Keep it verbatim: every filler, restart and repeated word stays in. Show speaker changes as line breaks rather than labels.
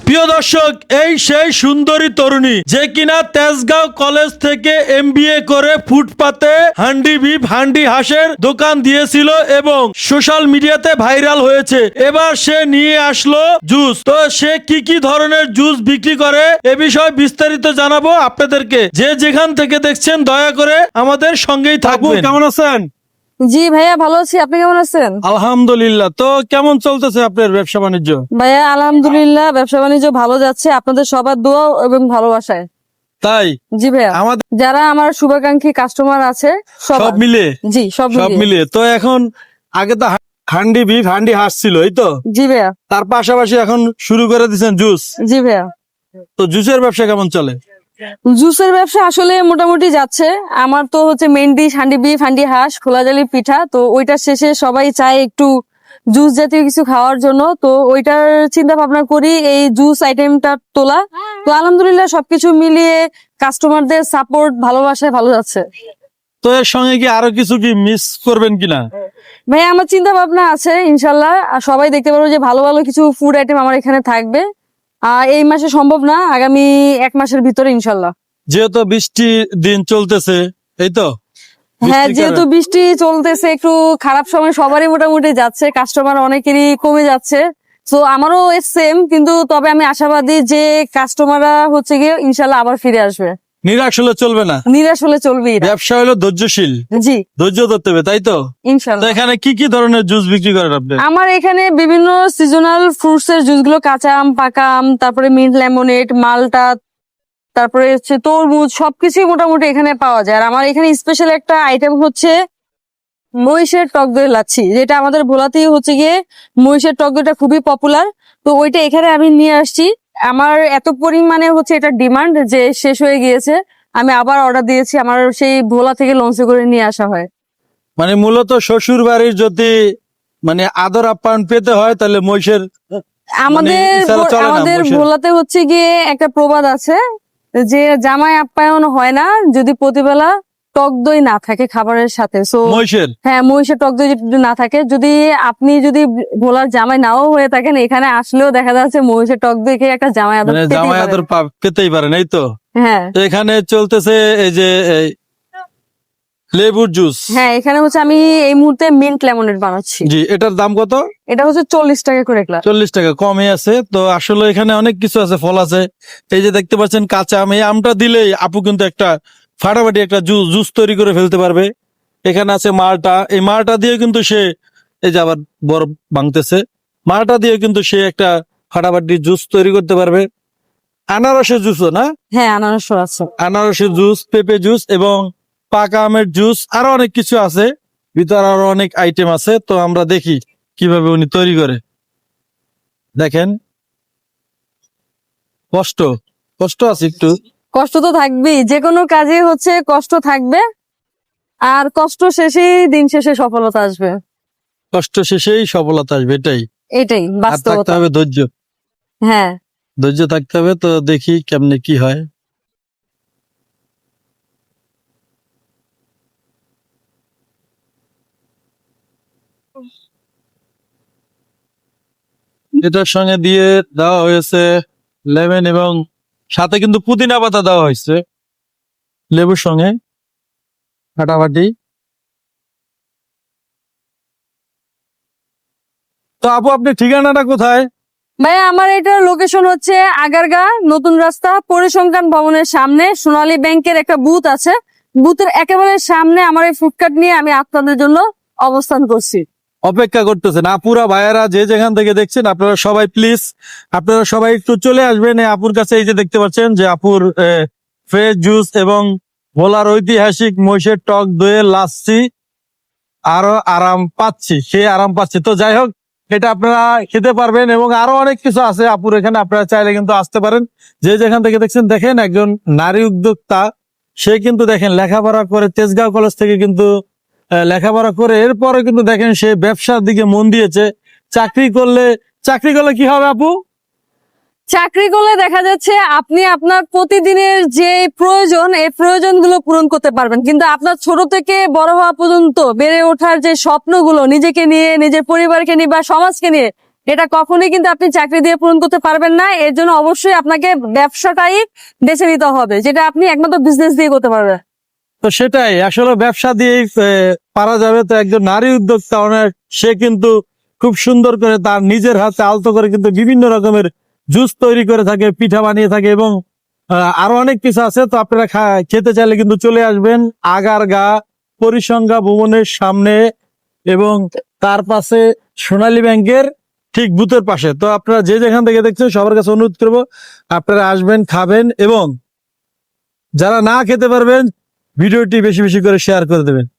প্রিয় দর্শক, এই সেই সুন্দরী তরুণী যে কিনা তেজগাঁও কলেজ থেকে এমবিএ করে ফুটপাতে হান্ডি বিফ হান্ডি হাঁসের দোকান দিয়েছিল এবং সোশ্যাল মিডিয়াতে ভাইরাল হয়েছে। এবার সে নিয়ে আসলো জুস। তো সে কি কি ধরনের জুস বিক্রি করে এ বিষয়ে বিস্তারিত জানাবো আপনাদেরকে। যে যেখান থেকে দেখছেন দয়া করে আমাদের সঙ্গেই থাকবেন। কেমন আছেন?
জি ভাইয়া ভালো আছি, আপনি কেমন আছেন?
আলহামদুলিল্লাহ। তো কেমন চলতেছে আপনার ব্যবসা বাণিজ্য?
ভাইয়া আলহামদুলিল্লাহ ব্যবসা বাণিজ্য ভালো যাচ্ছে, আপনাদের সবার দোয়া এবং ভালোবাসায়।
তাই
জি ভাইয়া,
আমাদের
যারা আমার শুভাকাঙ্ক্ষী কাস্টমার আছে
সব
সব
মিলে
জি সব
সব
মিলিয়ে।
মিলিয়ে তো এখন আগে তো হা- হান্ডি বিফ হান্ডি হাঁস ছিল, এই তো।
জি ভাইয়া।
তার পাশাপাশি এখন শুরু করে দিচ্ছেন জুস।
জি ভাইয়া,
তো জুসের ব্যবসা কেমন চলে?
জুসের ব্যবসা আসলে মোটামুটি যাচ্ছে। আমার তো হচ্ছে main dish handi beef handi হাঁস খোলাজালি পিঠা, তো ওইটার শেষে সবাই চায় একটু জুস জাতীয় কিছু খাওয়ার জন্য, তো ওইটার চিন্তা ভাবনা করি এই জুস আইটেমটা তোলা। তো আলহামদুলিল্লাহ সবকিছু মিলিয়ে কাস্টমারদের সাপোর্ট ভালোবাসায় ভালো যাচ্ছে।
তো এর সঙ্গে কি আরো কিছু কি মিস করবেন কিনা?
ভাই আমার চিন্তা ভাবনা আছে ইনশাল্লাহ, আর সবাই দেখতে পারবো যে ভালো ভালো কিছু ফুড আইটেম আমার এখানে থাকবে। আর এই মাসে সম্ভব না, আগামী এক মাসের ভিতরে ইনশাল্লাহ।
যেহেতু বৃষ্টি দিন চলতেছে, এই তো।
হ্যাঁ,
বৃষ্টির
যেহেতু
কারণে-
বৃষ্টি চলতেছে, একটু খারাপ সময় সবারই মোটামুটি যাচ্ছে, কাস্টমার অনেকেরই কমে যাচ্ছে। তো আমারও সেম, কিন্তু তবে আমি আশাবাদী যে কাস্টমাররা হচ্ছে গিয়ে ইনশাল্লাহ আবার ফিরে আসবে।
নিরাশ হলে চলবে না,
নিরাশ হলে চলবেই না।
ব্যবসা হলো ধৈর্যশীল,
জি
ধৈর্য ধরতে হবে, তাই তো। তো
ইনশাল্লাহ।
এখানে কি কি ধরনের জুস বিক্রি করেন আপনি?
আমার এখানে বিভিন্ন সিজনাল ফ্রুটস এর জুস গুলো, কাঁচা আম, পাকা আম, তারপরে মিন্ট লেমনেড, মালটা, তারপরে হচ্ছে তরমুজ, সবকিছুই মোটামুটি এখানে পাওয়া যায়। আর আমার এখানে স্পেশাল একটা আইটেম হচ্ছে মহিষের টক দই লাচ্ছি, যেটা আমাদের ভোলাতেই হচ্ছে গিয়ে মহিষের টক দইটা খুবই পপুলার। তো ওইটা এখানে আমি নিয়ে আসছি। আমার এত পরিমাণে হচ্ছে এটা ডিমান্ড যে শেষ হয়ে গিয়েছে, আমি আবার অর্ডার দিয়েছি, আমার সেই ভোলা থেকে লঞ্চে করে নিয়ে আসা হয়।
মানে মূলত শ্বশুর বাড়ির যদি মানে আদর আপ্যায়ন পেতে হয় তাহলে মহিষের
আমাদের
এছাড়া চলে না,
আমাদের
মহিষের।
ভোলাতে হচ্ছে গিয়ে একটা প্রবাদ আছে যে জামাই আপ্যায়ন হয় না যদি প্রতিবেলা টক দই না থাকে খাবারের সাথে। সো
মহিষের
হ্যাঁ, মহিষের টক দই যদি না থাকে, যদি আপনি যদি ভোলার জামাই নাও হয়ে থাকেন, এখানে আসলেও দেখা যাচ্ছে মহিষের টক দই খেয়ে একটা জামাই আদর
মানে
পেতেই
জামাই
পারেন।
আদর পা- পেতেই পারেন, এই তো।
হ্যাঁ
তো এখানে চলতেছে এই যে এই লেবুর জুস।
হ্যাঁ, এখানে হচ্ছে আমি এই মুহূর্তে মিন্ট লেমনেড বানাচ্ছি।
জি, এটার দাম কত?
এটা হচ্ছে চল্লিশ টাকা করে গ্লাস।
চল্লিশ টাকা কমে আছে। তো আসলে এখানে অনেক কিছু আছে, ফল আছে। এই যে দেখতে পাচ্ছেন কাঁচা আম, এই আমটা দিলেই আপু কিন্তু একটা ফাটাফাটি একটা জুস জুস তৈরি করে ফেলতে পারবে। এখানে আছে মালটা, এই মালটা দিয়ে কিন্তু সে এই যে আবার বরফ ভাঙতেছে, মালটা দিয়ে কিন্তু সে একটা ফাটাফাটি জুস তৈরি করতে পারবে। আনারসের জুসও না,
হ্যাঁ, আনারস আছে।
আনারসের জুস, পেঁপে জুস এবং পাকা আমের জুস, আরো অনেক কিছু আছে। ভিতরে আরো অনেক আইটেম আছে। তো আমরা দেখি কিভাবে উনি তৈরি করে। দেখেন, কষ্ট কষ্ট আছে একটু।
কষ্ট তো থাকবেই, যে কোনো কাজে হচ্ছে কষ্ট থাকবে, আর কষ্ট শেষেই দিন শেষে সফলতা আসবে।
কষ্ট শেষেই সফলতা আসবে, এটাই।
এটাই
আর থাকতে
বাস্তবতা।
হবে ধৈর্য,
হ্যাঁ
ধৈর্য থাকতে হবে। তো দেখি কেমনে কি হয়। এটার সঙ্গে দিয়ে দেওয়া হয়েছে লেমন এবং সাথে কিন্তু পুদিনা পাতা দেওয়া হয়েছে লেবুর সঙ্গে ফাটাফাটি। তো আপু, আপনি ঠিকানাটা কোথায়?
ভাইয়া, আমার এটার লোকেশন হচ্ছে আগারগা নতুন রাস্তা পরিসংখ্যান ভবনের সামনে সোনালী ব্যাংকের একটা বুথ আছে, বুথের একেবারে সামনে আমার এই ফুডকার্ট নিয়ে আমি আপনাদের জন্য অবস্থান করছি।
অপেক্ষা করতেছেন আপুরা ভাইয়েরা, যে যেখান থেকে দেখছেন আপনারা সবাই প্লিজ, আপনারা সবাই একটু চলে আসবেন এই আপুর কাছে। এই যে দেখতে পাচ্ছেন যে আপুর ফ্রেশ জুস এবং ভোলার ঐতিহাসিক মহিষের টক দইয়ের লাচ্ছি আরো আরাম পাচ্ছি, সে আরাম পাচ্ছি। তো যাই হোক, এটা আপনারা খেতে পারবেন এবং আরো অনেক কিছু আছে আপুর এখানে, আপনারা চাইলে কিন্তু আসতে পারেন। যে যেখান থেকে দেখছেন, দেখেন একজন নারী উদ্যোক্তা, সে কিন্তু দেখেন লেখাপড়া করে তেজগাঁও কলেজ থেকে কিন্তু আহ, লেখাপড়া করে এরপরে কিন্তু দেখেন সে ব্যবসার দিকে মন দিয়েছে। চাকরি করলে চাকরি করলে কি হবে আপু?
চাকরি করলে দেখা যাচ্ছে আপনি আপনার প্রতিদিনের যে প্রয়োজন এই প্রয়োজনগুলো পূরণ করতে পারবেন, কিন্তু আপনার ছোট থেকে বড় হওয়া পর্যন্ত বেড়ে ওঠার যে স্বপ্নগুলো নিজেকে নিয়ে, নিজের পরিবারকে নিয়ে বা সমাজকে নিয়ে, এটা কখনোই কিন্তু আপনি চাকরি দিয়ে পূরণ করতে পারবেন না। এর জন্য অবশ্যই আপনাকে ব্যবসাটাই বেছে নিতে হবে, যেটা আপনি একমাত্র বিজনেস দিয়ে করতে পারবেন।
তো সেটাই আসলে ব্যবসা দিয়েই আহ, পারা যাবে। তো একজন নারী উদ্যোক্তা অনেক, সে কিন্তু খুব সুন্দর করে তার নিজের হাতে আলতো করে কিন্তু বিভিন্ন রকমের জুস তৈরি করে থাকে, পিঠা বানিয়ে থাকে এবং আহ, আরো অনেক কিছু আছে। তো আপনারা খা- খেতে চাইলে কিন্তু চলে আসবেন আগারগা পরিসংখ্যা ভবনের সামনে এবং তার পাশে সোনালী ব্যাংকের ঠিক বুথের পাশে। তো আপনারা যে যেখান থেকে দেখছেন সবার কাছে অনুরোধ করবো আপনারা আসবেন, খাবেন এবং যারা না খেতে পারবেন ভিডিওটি বেশি বেশি করে শেয়ার করে দেবেন।